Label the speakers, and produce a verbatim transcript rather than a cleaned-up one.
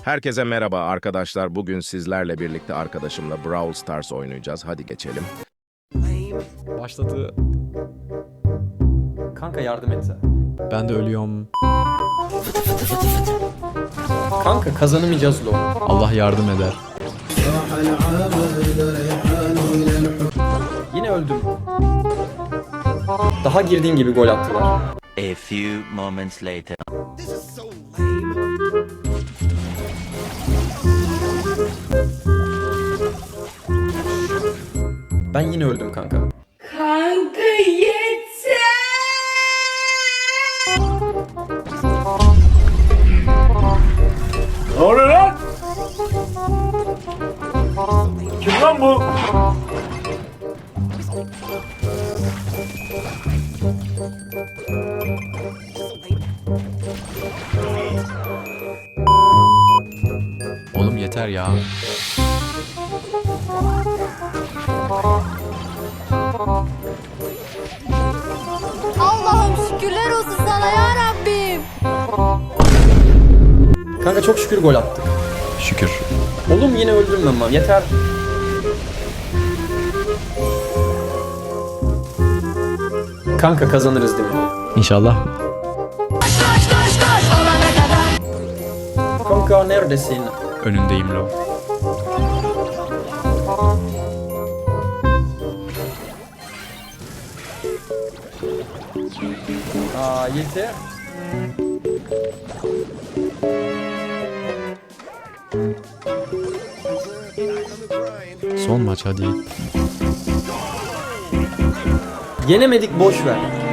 Speaker 1: Herkese merhaba arkadaşlar. Bugün sizlerle birlikte arkadaşımla Brawl Stars oynayacağız. Hadi geçelim.
Speaker 2: Başladı.
Speaker 3: Kanka yardım et.
Speaker 2: Ben de ölüyorum.
Speaker 3: Kanka kazanamayacağız LoL.
Speaker 2: Allah yardım eder.
Speaker 3: Yine öldüm. Daha girdiğim gibi gol attılar.
Speaker 4: A few moments later.
Speaker 3: Ben yine öldüm kanka.
Speaker 5: Kanka yeter.
Speaker 6: Ne oluyor lan? Kim lan bu?
Speaker 2: Oğlum yeter ya.
Speaker 7: Allah'ım şükürler olsun sana ya Rabbim.
Speaker 3: Kanka çok şükür gol attık.
Speaker 2: Şükür.
Speaker 3: Oğlum yine öldüm ben lan. Yeter. Kanka kazanırız değil mi?
Speaker 2: İnşallah.
Speaker 3: Kanka neredesin?
Speaker 2: Önündeyim lo.
Speaker 3: Aa yeter.
Speaker 2: Son maç hadi.
Speaker 3: Yenemedik boş ver.